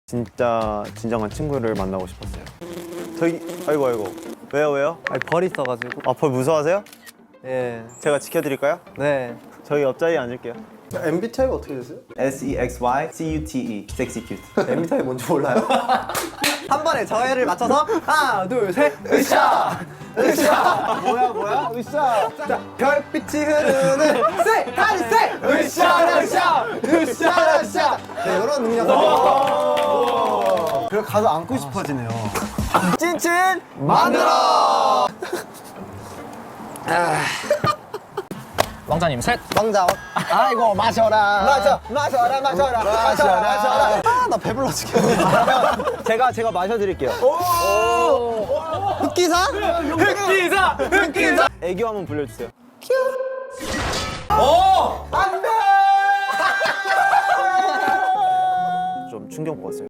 진짜 진정한 친구를 만나고 싶었어요. 저기 아이고 왜요? 아니 벌 있어가지고. 아, 벌 무서워하세요? 예. 제가 지켜드릴까요? 네. 저희 옆자리에 앉을게요. MBTI가 어떻게 되세요? SEXYCUTE 섹시 큐트. MBTI 뭔지 몰라요? 한 번에 저해를 맞춰서 하나, 둘, 셋. 으쌰. 뭐야? 으쌰. 자, 별빛이 흐르는 세 하늘 세. 으쌰. 네, 이런 능력. 그래 가서 안고 싶어지네요. 찐찐 만들어. 왕자님 셋. 왕자. 아이고 마셔라. 마셔라. 아, 나 배불러 죽겠네. 제가 마셔드릴게요. 흑기사? 애교 한번 불려주세요. 좀 충격 먹었어요.